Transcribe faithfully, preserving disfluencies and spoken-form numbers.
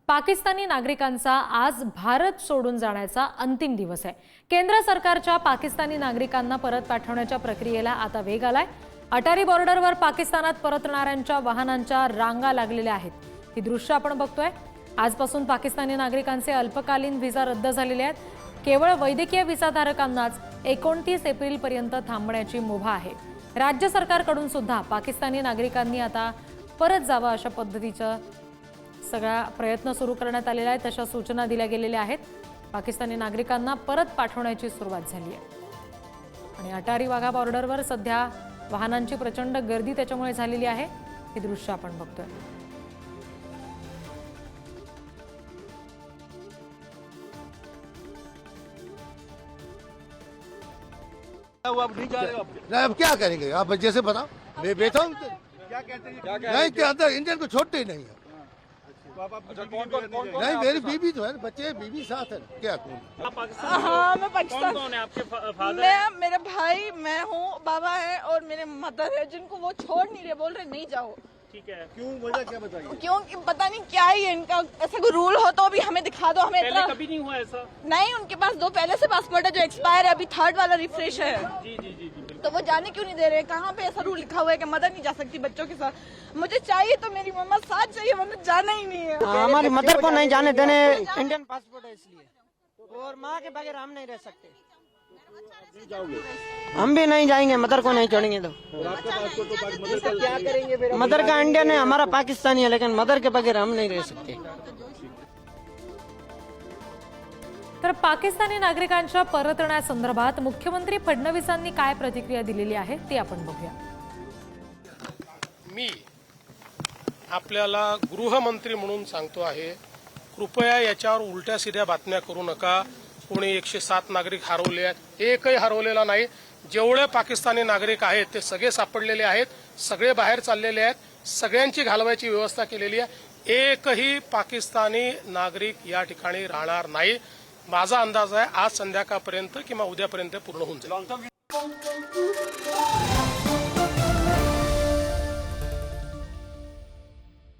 पाकिस्तानी नागरिकांचा आज भारत सोडून जाण्याचा अंतिम दिवस आहे। केंद्र सरकारच्या पाकिस्तानी नागरिकांना परत पाठवण्याच्या प्रक्रियेला आता वेग आलाय। अटारी बॉर्डरवर पाकिस्तानात परतणाऱ्यांच्या वाहनांच्या रांगा लागलेल्या आहेत। ही दृश्य आपण बघतोय। आजपासून पाकिस्तानी नागरिकांचे अल्पकालीन व्हिसा रद्द झालेले आहेत। केवळ वैद्यकीय व्हिसाधारकांनाच एकोणतीस एप्रिल पर्यंत थांबण्याची मुभा आहे। राज्य सरकारकडून सुद्धा पाकिस्तानी नागरिकांनी आता परत जावं अशा पद्धतीचं सगळा प्रयत्न सुरू करण्यात आलेला आहे। तशा सूचना दिल्या गेलेल्या आहेत। पाकिस्तानी नागरिकांना परत पाठवण्याची सुरुवात झाली आहे आणि अटारी वाघा बॉर्डरवर सध्या वाहनांची प्रचंड गर्दी त्याच्यामुळे झालेली आहे। हे दृश्य आपण बघतोय। अब नहीं जा रहे हो आप? नहीं, अब क्या करेंगे आप जैसे बताओ। मैं बैठा हूँ क्या कहते हैं? नहीं के अंदर इंडियन को छोड़ते ही नहीं है। तो आप अपनी बीवी को रहने दे- नहीं मेरी बीवी तो है ना, बच्चे बीवी साथ है ना, क्या करूँ। हाँ मैं पाकिस्तान। कौन है आपके फादर? मैं मेरे भाई मैं हूँ, बाबा है और मेरे मदर है, जिनको वो छोड़ नहीं रहे, बोल रहे नहीं जाओ। ठीक है। क्यों वजह क्या बताइए? क्योंकि पता नहीं क्या ही है इनका, ऐसा कोई रूल हो तो भी हमें दिखा दो। हमें पहले इतना कभी नहीं हुआ ऐसा? नहीं, उनके पास दो पहले से पासपोर्ट है जो एक्सपायर है, अभी थर्ड वाला रिफ्रेश है। जी जी जी जी तो वो जाने क्यों नहीं दे रहे? कहाँ पे ऐसा रूल लिखा हुआ है कि मदर नहीं जा सकती बच्चों के साथ? मुझे चाहिए तो मेरी मम्मा साथ चाहिए, वरना जाना ही नहीं है। हमारी मदर को नहीं जाने देने, इंडियन पासपोर्ट है इसलिए, और माँ के बगैर हम नहीं रह सकते। हम भी नहीं जाएंगे, मदर को नहीं छोड़ेंगे तो। आपका पासपोर्ट तो पाक- मदर का क्या करेंगे? मदर का इंडियन है, हमारा पाकिस्तानी है, लेकिन मदर के बगैर हम नहीं रह सकते। तर पाकिस्तानी नागरिकांच्या परतण्यासंदर्भात मुख्यमंत्री फडणवीसांनी काय प्रतिक्रिया दिलेली आहे ते आपण बघूया। मी आपल्याला गृहमंत्री म्हणून सांगतो आहे, कृपया याच्यावर उलट्या सीध्या बातम्या करू नका। कोणी एकशे सात नागरिक हरवले आहेत, एकही हरवलेला नाही। जेवढे पाकिस्तानी नागरिक आहेत ते सगळे सापडलेले आहेत, सगळे बाहेर चाललेले आहेत, सगळ्यांची घालवायची व्यवस्था केलेली आहे। एकही पाकिस्तानी नागरिक या ठिकाणी राहणार नाही। माझा अंदाज आहे आज संध्याकाळपर्यंत किंवा उद्यापर्यंत पूर्ण होऊन जाईल।